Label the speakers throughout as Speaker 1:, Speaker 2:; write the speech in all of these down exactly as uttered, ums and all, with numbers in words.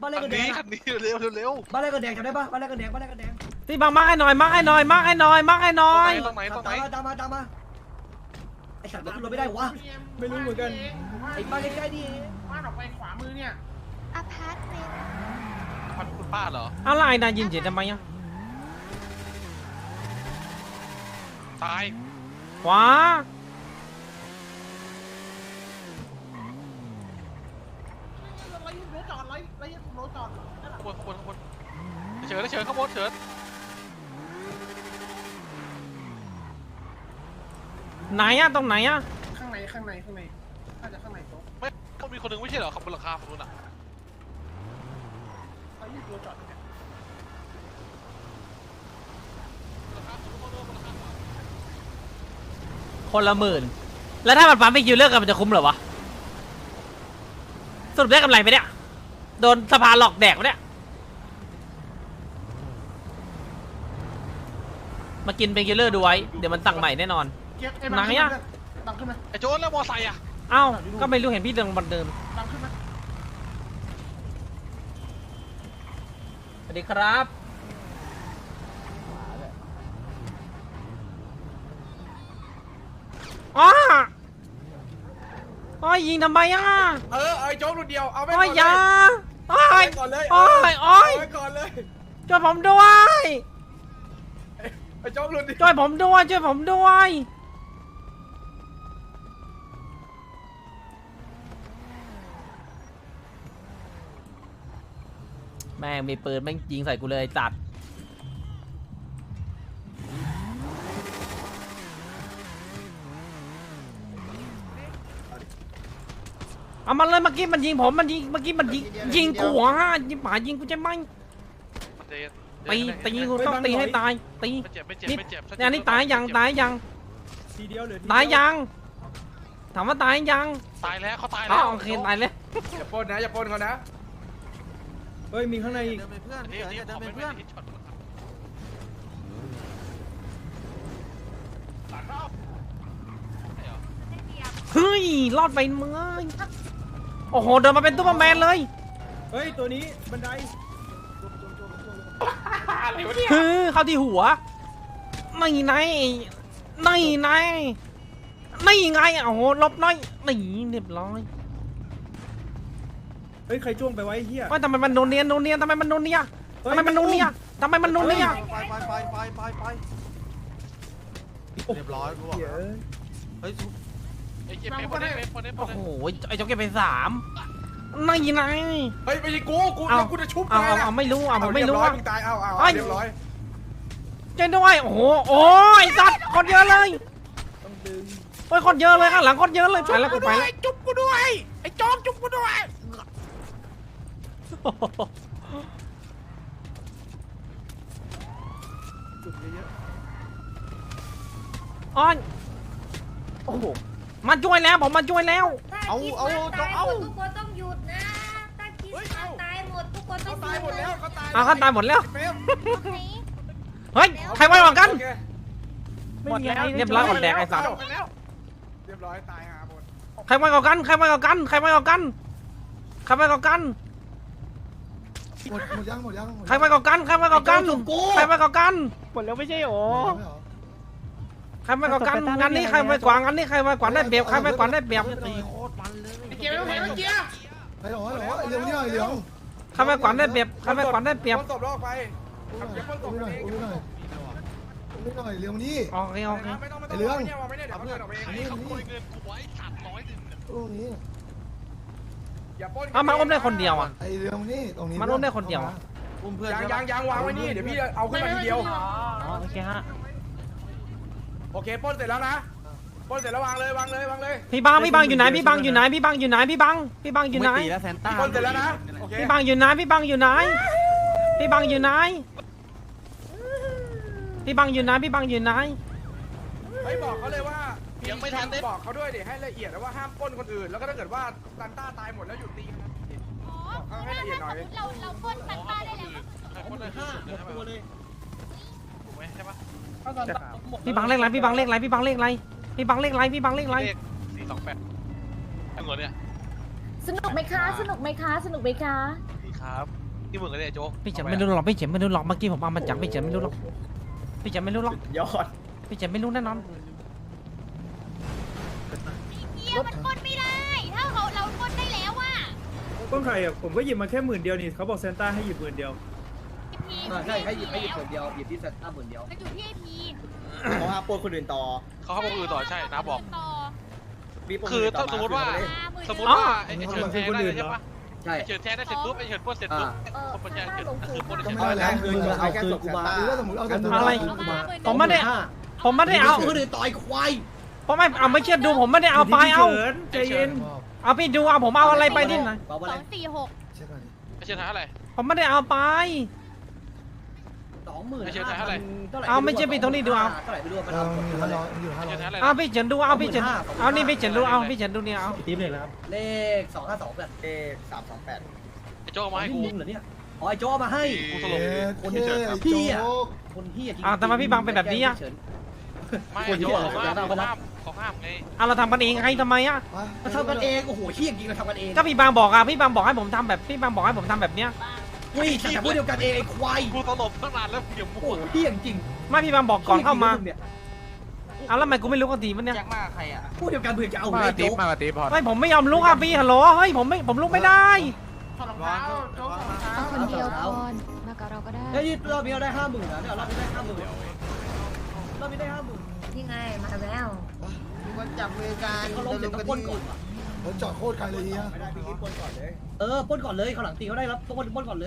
Speaker 1: านแรกกันแดงคันนี้เร็วเร็วบ้านแรกกันแดงจำได้ปะบ้านแรกกันแดงบ้านแรกกันแดง
Speaker 2: พี่บังมาให้หน่อยมาให้หน่อยมาให้หน่อยมาให้หน่อย
Speaker 1: ตรงไหนตรงไหนตามมาตามมาไอ้สัตว์รถไม่ได้วะไม่รู้เหมือนกันไอ้บ้านใกล้ๆนี่บ้านออกไปขวามือเนี่ย
Speaker 3: อพาร์ตเมนต์
Speaker 1: พันคุณป้าเหรอ
Speaker 2: อะไรนายยินเสียงทำไมอ่ะ
Speaker 1: ตาย
Speaker 2: ขวา
Speaker 1: คนคนคนเฉินเฉินข้างบนเฉิน
Speaker 2: ไหนอะตรงไหนอะ
Speaker 4: ข้างในข้างในข้างในน่าจะข้างในโต๊ะ
Speaker 1: ไม่ต้องมีคนนึงไม่ใช่เหรอขับบนหลังคาฝั่งนู้นอ่ะ
Speaker 4: เขายืดรถจอดเนี่ย
Speaker 2: คนละหมื่นแล้วถ้ามันปั๊มไปคิวเลิกกันมันจะคุ้มเหรอวะสรุปได้กำไรไหมเนี่ยโดนสภาหลอกแดกไหมเนี่ยมากินเป็นคิลเลอร์ดูไว้เดี๋ยวมันสั่งใหม่แน่นอนไหนอะ
Speaker 4: ดังขึ้นไหม
Speaker 1: ไอ้โจนแล้วมอไซค์อ่ะ
Speaker 2: เอ้าก็ไม่รู้เห็นพี่เดินบันเดิม
Speaker 4: ดังขึ้นไหม
Speaker 2: สวัสดีครับอ๋ออ๋อยิงทำไมอ่ะ
Speaker 4: เออไอ้โจ๊กรุ่นเดียวเอาไป
Speaker 2: ก่อนเลยโอ้ย
Speaker 4: ก่อนเลย
Speaker 2: โอ้ยโอ้ย
Speaker 4: ก่อนเลย
Speaker 2: ช่วยผมด้วย
Speaker 4: ไอ้โจ๊กรุ่นเดียว
Speaker 2: ช่วยผมด้วยช่วยผมด้วยแม่งมีปืนแม่งยิงใส่กูเลยจัดเอามันเลยเมื่อกี้มันยิงผมมันยิงเมื่อกี้มันยิงยิงกูฮะยิงหมายิงกูจะไม่ตีตีกูต้องตีให้ตายตีนี่นี่นี่ตายยังตายยังตายยังถามว่าตายยัง
Speaker 1: ตายแล้วเขาตายแล้ว
Speaker 2: โอเคตายแล้ว
Speaker 4: อย่าปนนะอย่าปนเขานะ
Speaker 5: เฮ้ยมีข้างในอีก
Speaker 1: เพื่อนเดินเป็นเพื่อน
Speaker 2: เฮ้ยรอดไปมึงโอ้โหเดินมาเป็นตุ๊กแมนเลย
Speaker 5: เฮ้ยตัวนี้บันได
Speaker 2: ฮือเข้าที่หัวไม่ไงไม่ไงไม่ไงโอ้โหลบน้อยหนีเรียบร้อย
Speaker 5: เฮ้ยใครจ้วงไปไว้เฮีย
Speaker 2: ว่าทำไมมันโนเนียนโนเนียนทำไมมันโนเนียทำไมมันโนเนียทำไมมันโนเนีย
Speaker 1: ไปไปไปไปไปไปเรียบร้อยกูบอกเฮ้ยไอ้เก็บไปคนนี้คนนี้
Speaker 2: โอ้โหไอ้เจ้าเก็บไปสามไม่ไง
Speaker 4: เฮ้ยไม่ใช่กูกูกูจะชุบ
Speaker 2: เอาเอาไม่รู้เอาไม่รู้
Speaker 4: ว่าตายเอาเอาเรียบร้อย
Speaker 2: เจนด้วยโอ้โหโอ้ยสัตว์คนเยอะเลย
Speaker 5: ต้องดึง
Speaker 2: โอ้ยคนเยอะเลยข้างหลังคนเยอะเลยไปแล้วกูไป
Speaker 4: จุ๊บกูด้วยไอ้จอมจุ๊บกูด้วย
Speaker 5: จุดเยอะ
Speaker 2: ๆอ้อนโอ้โหมาช่วยแล้วผมมาช่วยแล้ว
Speaker 3: เอาเอาเอาทุกคนต้องหยุดนะถ้าคิดเขาตายหมดทุกคนต้อง
Speaker 4: ตายหมดแล้วเขาตาย
Speaker 2: เอาเขาตายหมดแล้วเฮ้ยใครไว้หวังกันหมดแล้วเรียบร้อยหมดแดกไอ้สัตว์
Speaker 4: เรียบร้อยตายหาหมด
Speaker 2: ใครไว้ก่อกันใครไว้ก่อกันใครไว้ก่อกันใครไว้ก่อกัน
Speaker 5: หมดหมดยังหมดยัง
Speaker 2: ใครไว้ก่อกันใครไว้ก่อกันใครไว้ก่อกัน
Speaker 5: หมดแล้วไม่ใช่หรอ
Speaker 2: ใครไว้ก่อกันงานนี้ใครไว้กวางงานนี้ใครไว้กวางได้เปรียบใครไว้กวางได้เปรียบ
Speaker 1: ตีโคตรมันเลย
Speaker 4: ไอ้เกียร์ไม่เห็นไอ้เกียร์
Speaker 5: ไอ้หรอไอ้หรอเรื่องนี้หน่อยเรื่อง
Speaker 2: ใครไว้กวางได้เปรียบใครไว้กวางได้เปรียบ
Speaker 4: ตบลอกไปทำเกียร์ตบ
Speaker 5: หน่อยหน่อยหน่อยเรื่องนี้
Speaker 2: โอเคโอเค
Speaker 5: ไอ้เรื่อง
Speaker 4: ไม่ได้เดี๋ยวเพื่อนเอาเอง
Speaker 1: นี่เขาโกยเงินกูไว้ขาดร้อยหนึ่ง
Speaker 5: ตรงนี้
Speaker 2: เอามาอุ้มได้คนเดียวอ่ะ
Speaker 5: ไอ้เรื่องนี้ตรงนี้
Speaker 2: มันอุ้มได้คนเดียว
Speaker 1: อุ้มเพื่อน
Speaker 4: ยางยางวางไว้นี่เดี๋ยวพี่เอาขึ้นมาทีเดียว
Speaker 2: โอเคฮะ
Speaker 4: โอเคป้นเสร็จแล้วนะป้นเสร็จแล้ววางเลยวางเลยวางเลย
Speaker 2: พี่บังพี่บังอยู่ไหนพี่บังอยู่ไหนพี่บังอยู่ไหนพี่บังพี่บังอยู่ไหน
Speaker 4: ป้นเสร็จแล้วนะ
Speaker 2: พี่บังอยู่ไหนพี่บังอยู่ไหนพี่บังอยู่ไหนพี่บังอยู่ไหนพี่บังอยู่ไหน
Speaker 4: เฮ้ยบอกเขาเลยว่ายังไม่ทันได้บอกเขาด้วยดิให้ละเอียดว่าห้ามป้นคนอื่นแล้วก็ถ้าเกิดว่าซันต้าตายหมดแล้วหยุดตี
Speaker 3: อ๋อให้ละเอียดหน่อยเราเราป้นซันต้าได้แล้ว
Speaker 1: คนเลยห้าหมดตัวเลยถูกไหมใช่ปะ
Speaker 2: พี่บังเลขไรพี่บังเลขไรพี่บังเลขไรพี่บังเลขไรพี่บังเลขไร
Speaker 1: สี่สองแปดทั้งหมดเนี่ย
Speaker 3: สนุกไหมคะสนุกไหมคะสนุกไหมคะ
Speaker 1: ดีครับ
Speaker 6: ที่มึงกันเลยโจ๊ก
Speaker 2: พี่เฉินไม่รู้หรอกพี่เฉินไม่รู้หรอกเมื่อกี้ผมเอามาจากพี่เฉินไม่รู้หรอกพี่เฉินไม่รู้หรอก
Speaker 1: ยอด
Speaker 2: พี่เฉินไม่รู้แน่นอน
Speaker 3: เกียร์มันปล้นไม่ได้ ถ้าเราเราปล้นได้แล้วว่ะ
Speaker 7: ต้นไข่อ่ะผมก็หยิบมาแค่หมื่นเดียวนี่เขาบอกเซนต้าให้หยิบหมื่นเดียว
Speaker 3: พี
Speaker 1: ใช่ให้หยิบให้หยิบหมื่นเดียวหยิบที่เซ็ตห้าหมื่นเดียว
Speaker 3: มันอยู่ที่ไอพี
Speaker 1: เขาห้ามปล้นคนอื่นต่อ
Speaker 6: เขาเข้ามาคุยต่อใช่นะบอก
Speaker 3: ต่อ
Speaker 6: คือถ้าสมมติว่า
Speaker 3: มา
Speaker 6: สมมติว่าไอ้เฉินแทงได้ใช่ปะ
Speaker 1: ใช่
Speaker 6: ไอ้เฉินแทงได้เสร็จปุ๊บไอ้เฉินปล้นเสร็จปุ๊บคนปัญญาเฉินคือปล้น
Speaker 5: ก็
Speaker 6: เฉิน
Speaker 5: ไม่ได้แล้ว
Speaker 1: คืนเอาคืนกูมา
Speaker 5: หรือว่าสมมติเอาสมมติ
Speaker 2: อะไร
Speaker 5: มา
Speaker 2: ผมไม่ได้ผมไม่ได้เอา
Speaker 1: คนอื่นต่อยควาย
Speaker 2: ผมไม่เอาไม่เชื่อดูผมไม่ได้เอาไปเอา
Speaker 7: ใจเย็น
Speaker 2: เอาพี่ดูเอาผมเอาอะไรไปที่ไหน
Speaker 1: เบา
Speaker 3: ส
Speaker 1: อะไร
Speaker 3: องสี่หก
Speaker 5: เช็คก่อนดิ
Speaker 6: ไอ้เฉินหาอะไร
Speaker 2: ผมไม่ได้เอาไป
Speaker 1: สองหมื่น
Speaker 6: ไม่ใช่เท่าไหร่
Speaker 2: เอาไม่ใช่พี่ตรงนี้ดูเอา
Speaker 1: เท่าไหร่ไม่รู้มัน
Speaker 5: เรา
Speaker 1: เอา
Speaker 5: มี
Speaker 1: กด
Speaker 5: ห้า
Speaker 1: เล
Speaker 5: ร้อย ยอยู่ห้า
Speaker 6: ไอ้
Speaker 5: ร้อย
Speaker 6: เฉินหาอะไร
Speaker 2: เอาพี่เฉินดูเอาพี่เฉินเอานี่พี่เฉินดูเอาพี่เฉินดูเนี่ยเอา
Speaker 1: ติ๊บเลยครับเลขสองห้าสองแบบเลขสามสองแปด
Speaker 6: ไอ้โจ๊กเอามาให้
Speaker 1: นี่
Speaker 6: กู
Speaker 1: มึงเหรอเนี่ยอ๋อไอ้โจ้มาให้
Speaker 6: กูสลบ
Speaker 5: เอ๊ะ
Speaker 1: คน
Speaker 5: เท่
Speaker 1: ที่เจอ
Speaker 5: โจ๊
Speaker 1: พี่อะ
Speaker 5: ก
Speaker 1: คนที่จริง
Speaker 2: อ้าวแต่มาพี่บังเป็นแบบนี้อะ
Speaker 6: ไม่ไอ้โจ๊กเขาห้ามเขาห้ามเขาห้ามไง
Speaker 2: เอาเราทำกันเองให้ทำไมอ่ะ
Speaker 1: เราทำกันเองโอ้โหเฮี้ยจริงเราทำกันเอง
Speaker 2: ก็พี่บางบอกอ่ะพี่บางบอกให้ผมทำแบบพี่บางบอกให้ผมทำแบบเนี้ย
Speaker 1: อุ้ยแต่พูดเดียวกันเองไอ้ควาย
Speaker 6: กูสลบตั้งนานแล้วเดี๋ยว
Speaker 1: โอ้
Speaker 6: มั่
Speaker 1: โห
Speaker 6: ว
Speaker 1: เฮี้ยจริง
Speaker 2: ไม่พี่บางบอกก่อนเข้ามา
Speaker 1: เนี่ย
Speaker 2: เอาแล้วทำไมกูไม่รู้กันทีมันเนี่ย
Speaker 8: แจ็คมาใครอ่ะ
Speaker 1: พูดเดียวกันเพื่อจะเอา
Speaker 8: มา
Speaker 1: ไอ้
Speaker 8: ตี
Speaker 1: โจ๊ก
Speaker 8: มาตีพอ
Speaker 2: ไม่ผมไม่ยอมลุกอ่ะพี่ฮัลโหลเฮ้ยผมไม่ผมลุกไม่ได้
Speaker 4: ถอดรองเท้าโจ๊กถอดรองเท้า
Speaker 3: คนเดียวก่อนมากับเราก็ได้
Speaker 1: เฮ้ยรอบนี้เราได้ห้าหมื่นนะเนี่ยรอบนี้ได้ห้าหมื่นรอบนี้ได้ห้าหมื่น
Speaker 3: นี่ไงมาแล้ว
Speaker 8: มีคนจับมือกัน
Speaker 1: เขาลงเสร็จต้องปล้นก่อนว่ะ
Speaker 5: ผมจอดโคตรไกลเลยเฮีย
Speaker 1: ไม่ได้พี่ปล้นก่อนเลยเออปล้นก่อนเลยเขาหลังตีเขาได้รับปล้นปล้นก่อนเลย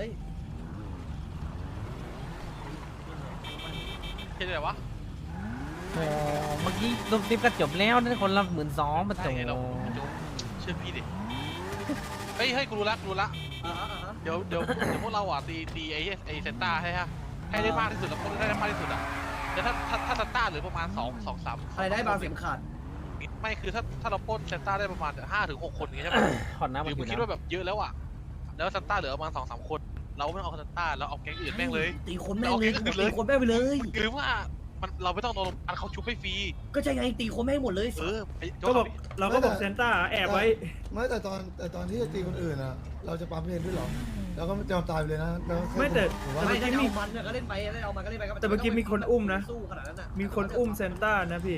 Speaker 6: เห็นไหมวะ
Speaker 2: โอ้เมื่อกี้ลงติ๊บก็จบแล้วนั่นคนละหมื่นสองมา
Speaker 6: ใช่
Speaker 2: โจ
Speaker 6: ไงเราโจ๊กเชื่อพี่ดิเฮ้ยให้กูรู้ละกูรู้ละ
Speaker 1: อ่าฮะอ่าฮะ
Speaker 6: เดี๋ยวเดี๋ยวเดี๋ยวพวกเราอ่ะตีตีไอ้ไอ้เซนต้าให้ฮะให้ได้มากที่สุดแล้วพวกได้มากที่สุดอ่ะแต่ถ้าถ้าถ้าเซนต้าเหลือประมาณสองสองสาม
Speaker 1: อะไรได้บางเสียงขาด
Speaker 6: ไม่คือถ้าถ้าเราปล้นเซนต้าได้ประมาณห้าถึงหกคนอย่างเงี้ยใช่ไหม
Speaker 2: ขอน้ำ
Speaker 6: ห
Speaker 2: มั
Speaker 6: รื
Speaker 2: น
Speaker 6: อ
Speaker 2: อ
Speaker 6: มึ
Speaker 2: ยู่
Speaker 6: งคิด
Speaker 2: นะ
Speaker 6: ว่าแบบเยอะแล้วอ่ะแล้วเซนต้าเหลือประมาณสองสามคน เราไม่ต้องเอาเซนต้าเราเอาแก๊งอื่นแม่งเลย
Speaker 1: ตีคนแม่งเลยตีคนแม่งไปเลย
Speaker 6: หรือว่ามันเราไม่ต้องโดนอันเขาชุบให้ฟรี
Speaker 1: ก็ใช่ไงตีคนแม่งหมดเลย
Speaker 6: เออไอ้โจ๊
Speaker 7: ก็
Speaker 6: ก
Speaker 7: บอกเราก็บอกเซนต้าแอบไว้
Speaker 5: ไม่แต่ตอนแต่ตอนที่จะตีคนอื่นอ่ะ เราจะปั๊มเพลด้วยหรอแล้วก็จะตายไปเลยนะแล้ว
Speaker 7: ไม่แต่
Speaker 5: ผมว่า
Speaker 1: ไม่ได้เอามันเนี่ยก็เล่นไปได้เอามันก็เล่นไป
Speaker 7: แต่เมื่อกี้มีคนอุ้มนะ
Speaker 1: สู้ขนาดนั้นอ่ะ
Speaker 7: มีคนอุ้มเซนต้านะพี่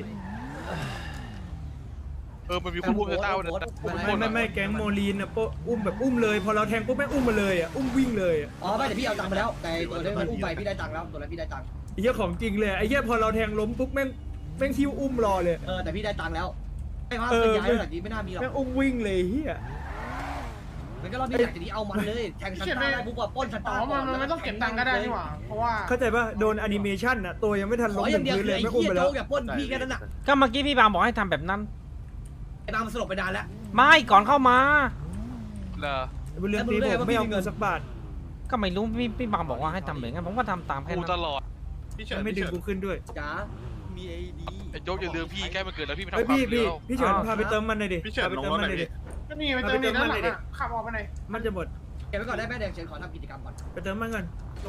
Speaker 6: เออมันมีคนพูดเซนต้าวันนั้น
Speaker 7: ไม่ไม่ไม่แก๊งโมลีนอ่ะโปะอุ้มแบบอุ้มเลย พอเราแทงปุ๊บแม่งอุ้มมาเลยอ่ะอุ้มวิ่งเลยอ่ะ
Speaker 1: อ๋อไม่แต่พี่เอาตังค์ไปแล้วแต่ตัวนี้มันอุ้มไปพี่ได้ตังค์แล้วตัวนั้นพี่ได้ตังค์
Speaker 7: ไอ้เหี้ยของจริงเลยไอ้เหี้ยพอเราแทงล้มปุ๊บแม่งแม่งคิวอุ้มรอเลย
Speaker 1: เออแต่พี่ได้ตังค์แล้วไอ้ภาพเป็นย้ายระดับนี้ไม่น่ามีหรอก
Speaker 7: แม่งอุ้มวิ่งเลยเหี้ย
Speaker 1: มันก็รอบนี้อยากจะนี้เอามันเลยแทงซันต้าได้ปุ๊บว่าป้นซัน
Speaker 4: อ๋
Speaker 1: ต้า
Speaker 4: อมันมันไม่ต้องเก็บตังค์ก็ได้นี่หว่าเพราะว่า
Speaker 7: เข้าใจป่ะโดนแอนิเมชันอ่ะตัวยังไม่ทัน
Speaker 1: ข
Speaker 7: ล้
Speaker 1: อ
Speaker 7: ม
Speaker 1: อ
Speaker 7: ถึ
Speaker 1: ย่าง
Speaker 7: ง
Speaker 1: เดียว
Speaker 7: พื้น
Speaker 1: คือ
Speaker 7: เลย
Speaker 1: ไอ้
Speaker 7: แม่งอุ้ม
Speaker 1: เหี้ย
Speaker 7: ไปแล้
Speaker 1: โจ๊
Speaker 7: ว
Speaker 1: กอย่าป้นพี่แค่นั้นน่ะ
Speaker 2: ก็เมื่อกี้พี่บางบอกให้ทำแบบนั้น
Speaker 1: ไอ้บางมันสลบไปนานแล้ว
Speaker 2: ไม่ก่อนเข้ามา
Speaker 6: เหรอ
Speaker 7: บุญเรือนตีผมไม่เอาเงินสักบาท
Speaker 2: ก็ไม่รู้พี่พี่บางบอกว่าให้ทำแบบนั้นผมก็ทำตามแค่
Speaker 6: กู
Speaker 2: นั้น
Speaker 6: ตลอด
Speaker 7: ไม่ดึงกูขึ้นด้วย
Speaker 1: จ๋า
Speaker 6: ไอ้โจ๊กอย่าลืมพี่ใกล้มันเกิดแล้วพี่ไม่
Speaker 7: เฮ้ย
Speaker 6: ทำความ
Speaker 7: พี่
Speaker 6: เดี
Speaker 7: พี่
Speaker 6: ยว
Speaker 7: พี่เฉินพาไปเติมมันหน่อยดิพาไปเติมมันหน่อยดิ
Speaker 4: ก็นี่ไปเติมนี่ด้านหลังอ่ะขับออกไปไหน
Speaker 7: มันจะหมด
Speaker 1: เก็บไว้ก่อนได้แม่แดงเชิญขอทำกิจกรรมก่อน
Speaker 7: ไปเติมมันก่อน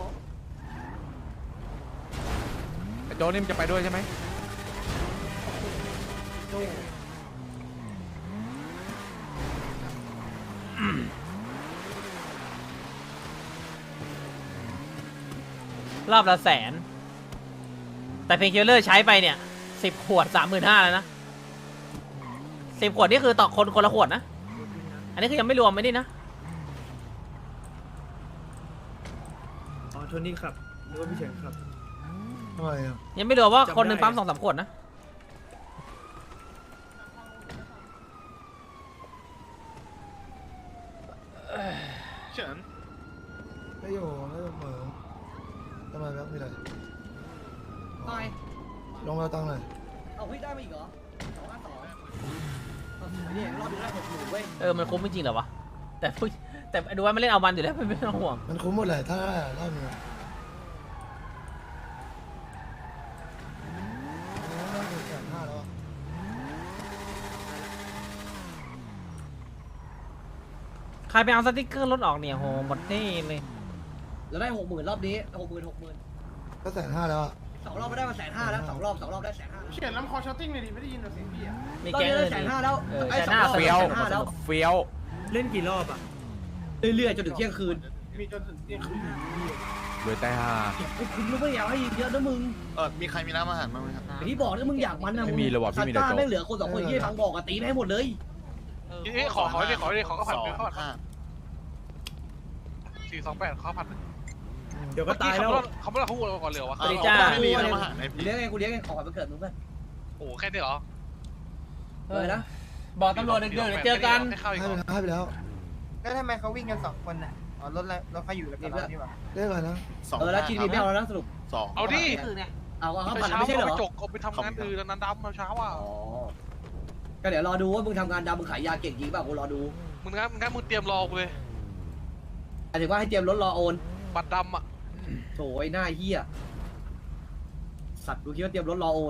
Speaker 8: โจนี่มันจะไปด้วยใช่ไหม
Speaker 2: รอบละแสน แต่เพนคิลเลอร์ใช้ไปเนี่ยสิบขวดสามหมื่นห้าแล้วนะสิบขวดนี่คือต่อคนคนละขวดนะ อันนี้คือยังไม่รวมไม่นี่นะ
Speaker 7: อ๋อโทนี่ขับหรือว่าพี่เฉินขับ
Speaker 5: ทำไมอ่ะ
Speaker 2: ยังไม่รวมว่า
Speaker 7: จำได้
Speaker 2: คนหนึ่งปั๊มสองสามขวดนะ
Speaker 6: เฉิน
Speaker 5: ไม่อยู่ไม่เหมือนทำไมครับมีอะไร
Speaker 1: ตาย
Speaker 5: ลงมาตังค์หน่อย
Speaker 1: เอาเฮ้ยได้มาอีกเหรอสองห้าสองนี่รอบนี้ได้หกหมื่นเว้ย
Speaker 2: เออมันคุ้มจริงๆเหรอวะแต่ผู้แต่ดูว่ามันเล่นเอามันอยู่แล้วไม่ต้องห่วง
Speaker 5: มันคุ้มหมดเลยถ้าได้อะรอบนี้แสนห้าแล้วอะ
Speaker 2: ใครไปเอาสติ๊กเกอร์รถออกเนี่ยโหหมดที่เลย
Speaker 1: เราได้หกหมื่นรอบนี้หกหมื่นหกหมื่น
Speaker 5: ก็แสนห้าแล้วอะ
Speaker 1: สองรอบไม่ได้มาแสนห้าแล้วสองรอบสองรอบได้แสนห้า
Speaker 4: เขียนลำคอช้อตติ้งเลยดิไม่ได้ยินเสียงพี่อ่ะ
Speaker 2: มี
Speaker 1: รอบ
Speaker 2: แก๊ง
Speaker 1: นี้
Speaker 2: อื่
Speaker 1: ได้
Speaker 2: น
Speaker 1: แสน
Speaker 2: อีก
Speaker 1: ห้าแล้ว
Speaker 2: เออ
Speaker 1: ไอ้
Speaker 2: แส
Speaker 1: ส
Speaker 2: น
Speaker 1: อง
Speaker 2: ห้าร
Speaker 1: อบ
Speaker 2: เฟี้ยว
Speaker 1: แสนห้าแล้ว
Speaker 8: เฟี้ยว
Speaker 7: เล่นกี่รอบอ่ะ
Speaker 1: เรื่อยๆจนถึงเที่ยงคืน
Speaker 4: มีจนถึงเที่ยงคืน
Speaker 8: รวยใจห่า
Speaker 1: คุณรู้ไม่อยากให้เยอะนะมึง
Speaker 9: เออมีใครมีน้ำอาหารบ้างไหมครับ
Speaker 1: ไอ้ที่บอกนะมึงอยากมันนะ
Speaker 8: ไม่มีเลยว่ะพี่มีแต่
Speaker 1: ซานต้า
Speaker 8: โจ๊ก
Speaker 1: ไม่เหลือคนสองคนยี่ฟังบอกอะตีให้หมดเลย
Speaker 6: นี่ขอขอเลยขอเลยขอข้าวผัด
Speaker 9: สอง
Speaker 6: ข้าวผัด
Speaker 9: ห้า
Speaker 6: สี่สองแปดข้าวผัด
Speaker 7: เดี๋ยวก็ตายแล้ว
Speaker 6: เขาไม่ได้เขาวัวก่อนเหลือวะ
Speaker 2: สวัสดีจ้า
Speaker 9: ไม่มีน้ำอาหารไหม
Speaker 1: กู
Speaker 9: พี่
Speaker 1: เลี้ยงไงกูเลี้ยงไงขอไปเกิดมึงเพื่อน
Speaker 6: โอ้แค่นี้เหรอ
Speaker 1: เออนะ
Speaker 2: บอกตำรวจเดี๋ยวเจอกัน
Speaker 6: ให้ข้าวอีก
Speaker 5: ให้
Speaker 6: เหร
Speaker 5: ไป
Speaker 6: อ
Speaker 5: แล้วให้ไปแล้ว
Speaker 8: แล้วทำไมเขาวิ่งกันสองคนน่ะอ๋อรถแล้วรถเขาอยู่แล้วกันนี่หว่า
Speaker 5: เรียกอะไรนะ
Speaker 9: สอง
Speaker 1: เออแล้ว
Speaker 9: ห้า
Speaker 1: กินมีไม่เอาแล้วนะสรุป
Speaker 9: สอง
Speaker 6: เอาดิ
Speaker 1: เอาเอาข้าวผัด
Speaker 6: เช้า
Speaker 1: ไม่ใช่เหร
Speaker 6: ไป
Speaker 1: อ
Speaker 6: จกเอาไปทำงานอื่นนั้นดำเช้าอ่ะ
Speaker 1: อ๋อก็เดี๋ยวรอดูว่ามึงทำงานดำมึงขายยาเก่งจริงเปล่ากูรอดู
Speaker 6: มึงงั้นมึงงั้นมึงเตรียมรอกูเลย
Speaker 1: หมายถึงว่าให้เตรียมรถรอโอน
Speaker 6: บัตรดำอ่ะ
Speaker 1: โถไอ้หน้าเหี้ยสัตว์กูคิดว่าเตรียมรถรอโอน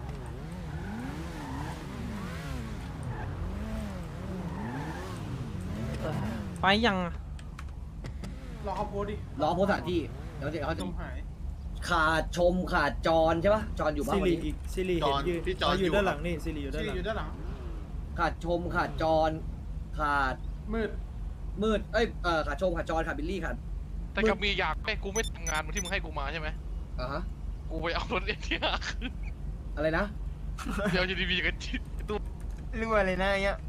Speaker 2: ไปยัง
Speaker 4: รอเขาโพสดิ
Speaker 1: รอโพสต์สถานที่เดี๋ยวเดี๋ยวเขา
Speaker 4: จ
Speaker 1: จะ
Speaker 4: มหาย
Speaker 1: ขาดชมขาดจรใช่ปะจรอยู่บ้า
Speaker 7: ซิ
Speaker 1: งวัน
Speaker 7: ริ
Speaker 1: นี้
Speaker 7: อีกซิริเห็นยืนอ๋ออยู่ด้านหลังนี่ซิริอยู่ด้าน
Speaker 4: ที่
Speaker 7: หลัง
Speaker 4: อยู่ด้านหลัง
Speaker 1: ขาดชมขาดจรขาด
Speaker 4: มืด
Speaker 1: มืดเอ้ยเออขาดชมขาดจรขาดบิลลี่ขาด
Speaker 6: แต่กับมีอยากไอ้กูไม่ทำงานที่มึงให้กูมาใช่ไหม
Speaker 1: อ่ะฮะ
Speaker 6: กูไปเอารถเอ็นทีอาร์
Speaker 1: อะไรนะ
Speaker 6: เดี๋ยวจะดีๆกันจิตตู้
Speaker 8: รวยเลยนะอย่างเงี้ย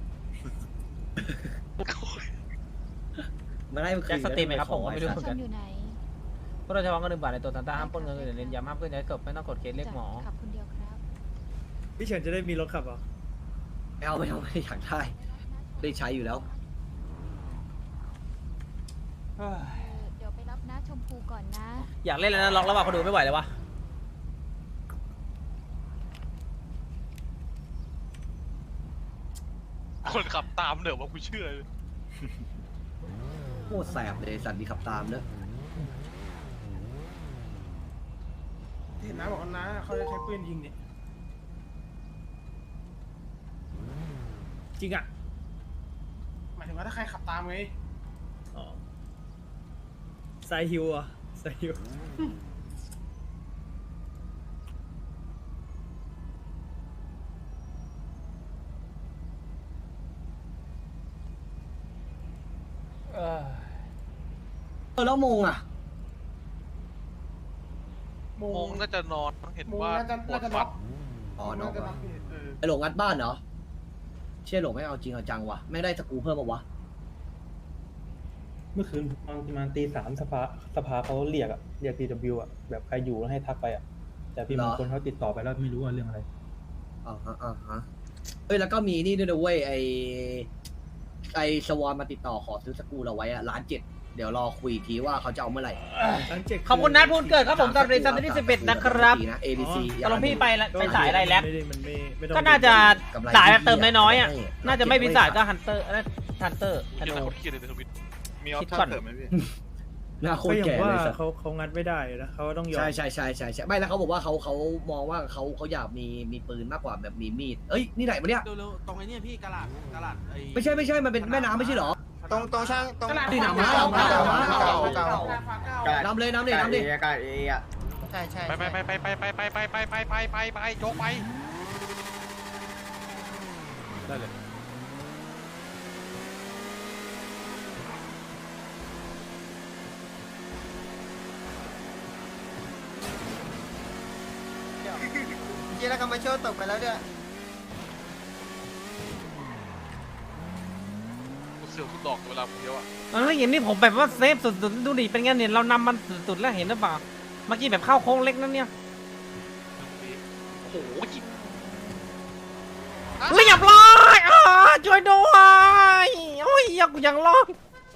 Speaker 1: มาได้มันคื
Speaker 2: แจ็
Speaker 1: น
Speaker 2: คสตรีมไหมครับผมก็ไม่รู้
Speaker 1: ข
Speaker 2: เห
Speaker 1: อ
Speaker 2: มือนกัน
Speaker 3: อยู่ไหน
Speaker 2: พวกเราจะวางเงินหนึ่งบาทในตัวซานต้าห้ามปล้นเงินอื่นเน้นย้ำห้ามเพื่อนย้ายศพไม่ต้องกดเคสเรียกหมอ
Speaker 3: ขับคนเดียวครับ
Speaker 7: พี่เฉินจะได้มีรถขับเหรอ
Speaker 1: ไม่เอาไม่เอาไม่อยากได้ได้ใช้อยู่แล้ว
Speaker 3: เออเดี๋ยวไปรับน้าชมพูก่อนนะ
Speaker 2: อยากเล่นแล้วนะล็อกแล้วว่ะเขาดูไม่ไหวเลยวะ
Speaker 6: คนขับตามเดี๋ยวว่ากูเชื่อเลย
Speaker 1: โคตรแสบเลยสัตว์ดีขับตามเนอะ
Speaker 4: เห็นนะบอกกันนะเขาจะใช้ปืนยิงเนี่ย
Speaker 7: จริงอ่ะ
Speaker 4: หมายถึงว่าถ้าใครขับตามไง
Speaker 7: อ๋อไซฮิวอ่ะไซฮิว
Speaker 2: เออ
Speaker 1: เออแล้วโมงอ่ะ
Speaker 4: โม
Speaker 6: โมง
Speaker 4: ง
Speaker 6: น่าจะนอนเห็น
Speaker 4: โมง
Speaker 6: ว่า
Speaker 4: น่าจะ
Speaker 6: ปว
Speaker 4: น่า
Speaker 6: ด
Speaker 4: จะ
Speaker 6: ฟั
Speaker 4: น็อน ก
Speaker 1: อ๋อน้อง
Speaker 4: น่าจะน็อกเออ
Speaker 1: ไอหลงงัดบ้านเหรอเชี่ยหลงไม่เอาจริงเอาจังวะไม่ได้สกรูเพิ่มมาวะ
Speaker 10: เมื่อคืนตอนประมาณตีสามสภาสภาเขาเรียกอะเรียก ที ดับเบิลยู อะแบบใครอยู่แล้วให้ทักไปอะแต่พี่มงคลเขาติดต่อไปแล้วไม่รู้ว่าเรื่องอะไร
Speaker 1: อ่าฮะอ่าฮะเอ้ยแล้วก็มีนี่ด้วยนะเว้ยไอไอสวอนมาติดต่อขอซื้อสกรูเราไว้อะล้านเจ็ดเดี๋ยวรอคุยอีกทีว่าเขาจะเอาเมื่อไหร่
Speaker 7: ทั้งเจ็ด
Speaker 2: ขอบคุณนัทพูนเกิดครับผมตอนเรียนซันที่สิบเอ็ดนะครับ
Speaker 1: นะ เอ บี ซี
Speaker 2: ตกลงพี่ไปละไปสายอะไรแล้ว
Speaker 7: ม่ด้มันไม่ไม่ต้อง
Speaker 2: ก็น่าจะ
Speaker 1: กำไร
Speaker 2: สายแบบเติมน้อยๆอ่ะ
Speaker 1: ให้
Speaker 2: น่าจะไม่พิสายก็ฮันเตอร์ฮันเตอร์ธ
Speaker 6: เดี๋ยว
Speaker 2: นู
Speaker 6: คนเครียดเลยในทวิต
Speaker 9: มีออป
Speaker 2: คิด
Speaker 9: ชั่
Speaker 2: ก่อน
Speaker 9: นเสริมไหมพี่
Speaker 1: หน้าโค
Speaker 7: ก็
Speaker 1: ตร
Speaker 7: อย่าง
Speaker 1: แก่
Speaker 7: ว่า
Speaker 1: เลยสัส
Speaker 7: เขาเขางัดไม่ได้นะเขาต้องยอม
Speaker 1: ใช่ใช่ใช่ใช่ใช่ไม่แล้วเขาบอกว่าเขาเขามองว่าเขาเขาอยากมีมีปืนมากกว่าแบบมีมีดเอ้ยนี่ไหนมาเนี่ย
Speaker 8: เร็วๆตรงไอ้นี่พี่กระดาษกระดาษไอ้
Speaker 1: ไม่ใช่ไม่ใช่มันเป็นแม่น้ำไม่ใช่เหรอ
Speaker 8: ตรงตรงช่างตรง
Speaker 1: ที่หนามม้าหนามม้าหนามม้า
Speaker 8: เก่าเก่า
Speaker 1: น้ำเลยน้ำเลยน้ำเลย
Speaker 8: กระดาษเออะใช่ใช่
Speaker 6: ไปไปไปไปไปไปไปไปไปไปไปไปโจ๊กไป
Speaker 8: ได้เลย เจ๊แล้วก็มาโชว์ตกไปแล้วเนี่ย
Speaker 6: กูเสือกทุกดอกเวลาผมเดียวอ่ะ
Speaker 2: เอออย่างนี้ผมแบบว่าเซฟสุดๆดูดิเป็นไงเนี่ยเรานำมันสุดๆแล้วเห็นหรือเปล่าเมื่อกี้แบบเข้าโค้งเล็กนั่นเนี่ย
Speaker 6: โอ้โห
Speaker 2: เรียบร้อยอ่าช่วยด้วยโอ้ยยังกูยังรอด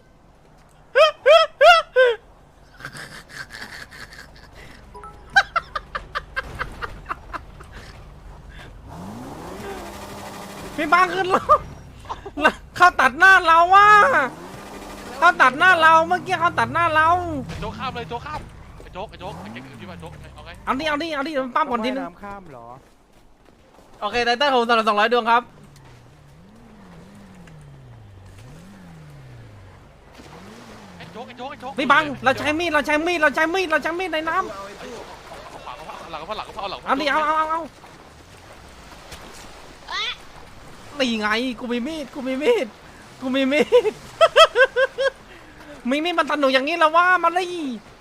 Speaker 2: พี่บางขึ้นแล้วเขาตัดหน้าเราว่ะเขาตัดหน้าเราเมื่อกี้เขาตัดหน้าเรา
Speaker 6: โจ๊กข้ามเลยโจ๊กข้ามไอ้โจ๊กไอ้โจ๊กไอ้เจ๊กอยู่ที่บ้านโจ๊กเอาไง
Speaker 2: เอาดิเอาดิเอาดิมันปั้มก่อนทีนึง
Speaker 7: น้ำข้ามเหรอ
Speaker 2: โอเคไตเติ้ลผมสำหรับสองร้อยดวงครับ
Speaker 6: ไอ้โจ๊กไอ้โจ๊กไอ้โจ๊ก
Speaker 2: พี่บังเราใช้มีดเราใช้มีดเราใช้มีดเราใช้มีดในน้ำ
Speaker 6: เอาขวาเอาหลังเอาหลังเอาหลัง
Speaker 2: เอาดิเอาเอาเอาเอานี่ไงกูมีมีดกูมีมีดกูมีมีดมีมีมันสนุกอย่างนี้แล้วว่ามาเลย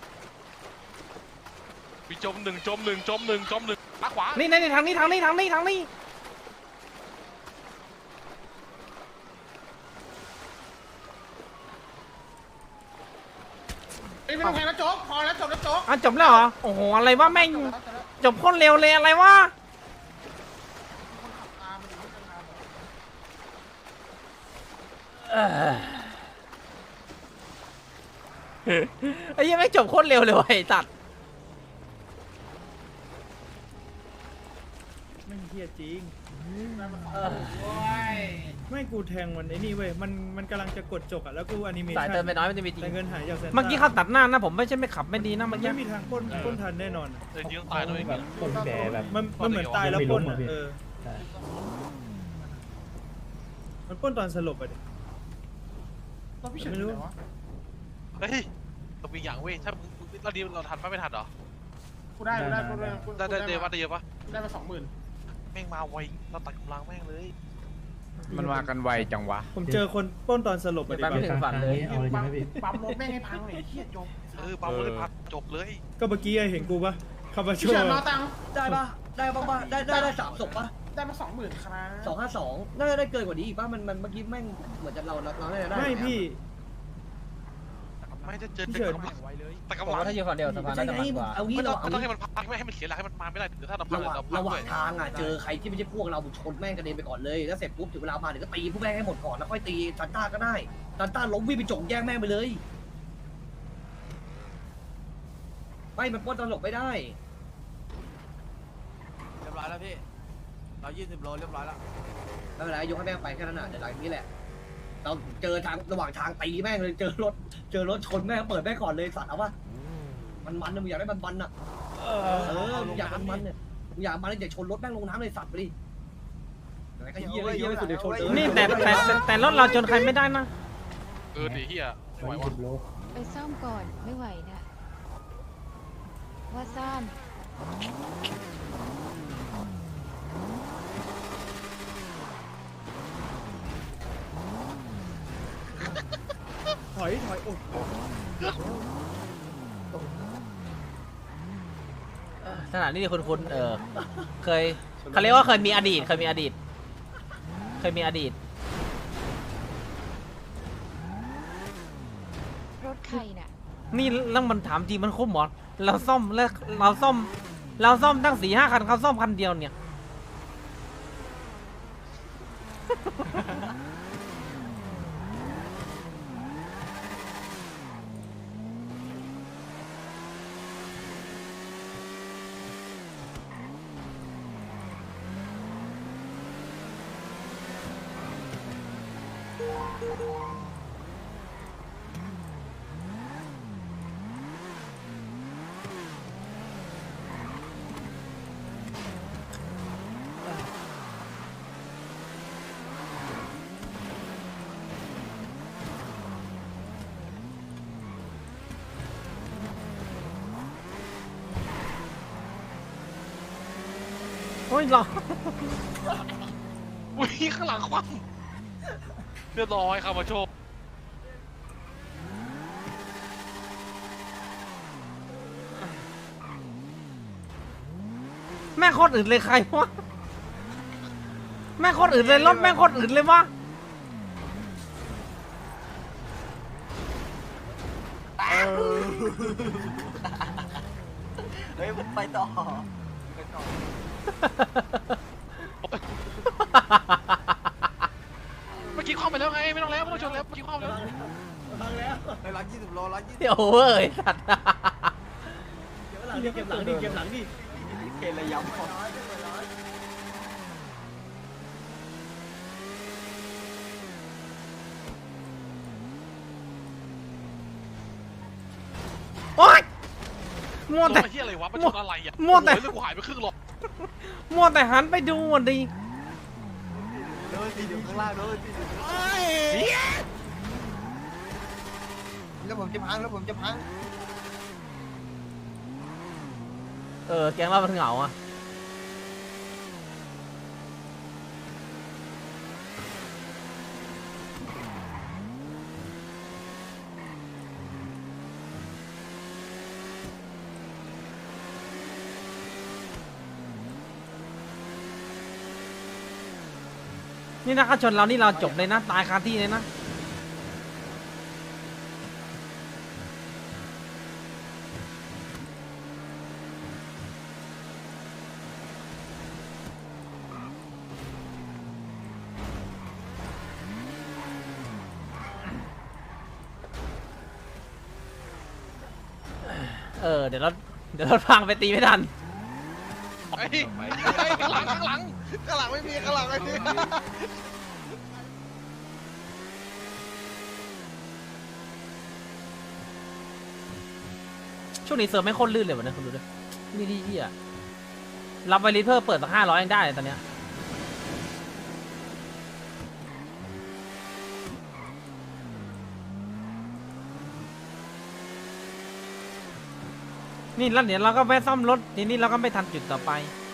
Speaker 6: มีจมหนึ่งจมหนึ่งจมหนึ่งจมหนึ่งมาขวา
Speaker 2: นี่นี่ทางนี้ทางนี้ทางนี้ทางนี้
Speaker 4: ไอ้ไม่ต้องแทงแล้วโจ๊กพอแล้วจบแล้วโจ๊ก
Speaker 2: อ่ะจบแล้วเหรอโอ้โหอะไรวะแม่งจบโคตรเร็วเลยอะไรวะเออไอ้ยังไม่งจบโคตรเร็วเลยว่ะไอ้สัตว์
Speaker 7: ไม่เฮียจริงไม่กูแทงมันไอ้นี่เว้ยมันมันกำลังจะกดจกอ่ะแล้วกูอนิเมชั่น
Speaker 2: สายเติมไปน้อยมันจะมีจริง
Speaker 7: แต่เงินหายจากเซ็น
Speaker 2: เมื่อกี้เขาตัดหน้านะผมไม่ใช่ไม่ขับไม่ดีนะ
Speaker 7: มั
Speaker 2: เมื่
Speaker 7: น
Speaker 2: อกี้
Speaker 7: ไม่มีทางปล้นปล้นทันแน่นอนอะ
Speaker 6: เออยิงตายด้วย
Speaker 10: แบบคนแก่แบบ
Speaker 7: มันมันเหมือนตายแล้วปล้นอ่ะเออ
Speaker 10: ใช่
Speaker 7: มันปล้นตอนสลบอ่ะดิ ไม่รู้
Speaker 6: เฮ้ยเรามีอย่างเว้ยถ้ามึงเราดีเราทันปะไม่ทันเหรอ
Speaker 4: กูได้กูได้กูได้
Speaker 6: ได้ได้เดียวปะได้เยอะปะ
Speaker 4: ได้มาสองหมื่น
Speaker 6: แม่งมาไวเราตัดกำลังแม่งเลย
Speaker 4: มันมากันไวจังวะ
Speaker 7: ผมเจอคนปล้นตอนสลบอ่ะดิ
Speaker 2: แป๊บนึงฝันเลย
Speaker 10: เอาเลยใช่ไหมพี่
Speaker 4: ปั๊มรถแม่งให้พังเลยเฮียจบ
Speaker 6: เออปั๊มเลยพัดจบเลย
Speaker 7: ก็เมื่อกี้เห็นกูปะคาบาโช
Speaker 4: พี่เฉินมาตังค์
Speaker 1: ได้ปะได้ปะปะได้ได้ได้สามศพปะ
Speaker 4: ได้มาสองหมื่นครับ
Speaker 1: สองห้าสองน่าจะได้เกินกว่านี้อีกปะมันมันเมื่อกี้แม่งเหมือนจะเราเราเราได้ได้
Speaker 7: ไม่พี่
Speaker 6: ไม่จะเจอ
Speaker 7: พี่
Speaker 6: แต่
Speaker 7: เฉิน
Speaker 6: กำลังแต่
Speaker 2: ผม
Speaker 6: กำลัง
Speaker 2: ว่าถ้าอยู่ฝั่งเดียวสะพาน
Speaker 1: ใช่
Speaker 2: น่าจะ
Speaker 1: ไง
Speaker 2: มันกว่า
Speaker 1: เอางี้
Speaker 6: ไม่
Speaker 1: เรา
Speaker 6: ต้อง
Speaker 1: เอา
Speaker 6: ต้อง
Speaker 1: งี้
Speaker 6: ให้มันพักไม่ให้มันเสียหลักให้มันมาไม่ได้เดี๋ยวถ้าเราพั
Speaker 1: ระ
Speaker 6: ง
Speaker 1: หว่าง
Speaker 6: เราพั
Speaker 1: ระ
Speaker 6: ง
Speaker 1: หว่า
Speaker 6: ด้
Speaker 1: ง
Speaker 6: วย
Speaker 1: ทางอ่ะเจอใครที่ไม่ใช่พวกเราชนแม่งกระเด็นไปก่อนเลยแล้วเสร็จปุ๊บถึงเวลามาเดี๋ยวก็ตีพวกแม่งให้หมดก่อนแล้วค่อยตีซันต้าก็ได้ซันต้าล้มวิ่งไปจงแย่งแม่งไปเลยไม่มันปล้นตลกไม่ได้
Speaker 8: เรียบร้อยแล้วพี่เรายี่สิบโลเรียบร้อยแล้ว
Speaker 1: ไม่เป็นไรยกให้แม่งไปแค่นั้นน่ะเดี๋ยวหลังนี้แหละเราเจอทางระหว่างทางตีแม่งเลยเจอรถเจอรถชนแม่งเปิดแม่งก่อนเลยสัตว์เอาวะมันมันนะมึงอยากได้มันมันอ่ะเออมึงอยากมันมันเนี่ยมึงอยากมันเนี่ยชนรถแม่งลงน้ำเลยสัตว์ไปดิไอ้เหี้ยเหี้ยไม่สุดเดี๋ยวชนเออ
Speaker 2: นี่แต่แต่แต่แต่รถเราจนใครไม่ได้นะ
Speaker 6: เออดีเฮียไหว
Speaker 10: ร้อย
Speaker 6: วะ
Speaker 10: สิบโล
Speaker 3: ไปซ่อมก่อนไม่ไหวนะว่าซ่อม
Speaker 7: ถอยถอยโอ้
Speaker 2: สถานที่คุณคุณเออเคยเขาเรียกว่าเคยมีอดีตเคยมีอดีต เคยมีอดีต
Speaker 3: รถใครน่ะ
Speaker 2: นี่แล้วมันถามจริงมันคุ้มหรอเราซ่อมแล้วเราซ่อม เราซ่อมตั้งสี่ห้าคันเขาซ่อมคันเดียวเนี่ย โอ้ยหรอ
Speaker 6: อุ้ยข้างหลังคว่ำเรียบร้อยครับมาโชค
Speaker 2: แม่งโคตรอื่นเลยใครวะแม่งโคตรอื่นเลยรถแม่งโคตรอื่นเลยวะ
Speaker 8: เฮ้ยไปต่อ
Speaker 6: เมื่อกี้คว่ำไปแล้วไงไม่ต้องแล้วไม่ต้องชนแล้วเมื่อกี้คว่ำแล้ว
Speaker 8: ในร้อยยี่สิบโลร้อยยี่สิบ
Speaker 2: เดี๋ยวเว้ยสัตว์
Speaker 1: เก็บหลังดิเก็บหลังดิ
Speaker 8: เกลย้ำ
Speaker 2: โอ๊ยมัวแต่
Speaker 6: เฮียอะไรวะมันชนอะไรอ่ะ
Speaker 2: มั่วแต่
Speaker 6: เรื่องกูหายไปครึ่งหลอด
Speaker 2: มัวแต่หันไปดูอ่ะดิ
Speaker 8: โดนตีอยู่ข้างล่างโดนตีอยู่แล้วผมจะพังแล้วผมจะพัง
Speaker 2: เออแกงเรามันเหงาอ่ะนี่นะเขาชนเรานี่เราจบเลยนะตายคาที่เลยนะเออเดี๋ยวเราเดี๋ยวเราพังไปตีไม่ทัน
Speaker 6: ไอ้ไอ้ข้างหลังข้างหลังข้างหลังไม่มีข้างหลังไม่มี
Speaker 2: ช่วงนี้เซิร์ฟไม่โคตรลื่นเลยวะเนี่ยคุณดูดินี่ที่เหี้ยรับไวริสเพิ่มเปิดสักห้าร้อยยังได้เลยตอนเนี้ยนี่แล้วเดี๋ยวเราก็แวะซ่อมรถทีนี้เราก็ไม่ทันจุดต่อไป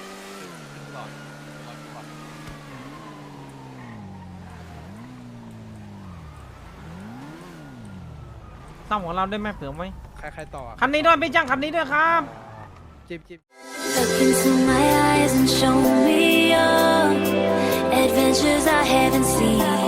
Speaker 2: ซ่อมของเราได้ไหมเผื่อไหม
Speaker 4: ใครใครต่อ
Speaker 2: คันนี้ด้วยพี่จ้างคันนี้ด้วยครับ
Speaker 4: จิบจิบ
Speaker 3: Look into my eyes and show me your adventures I haven't seen.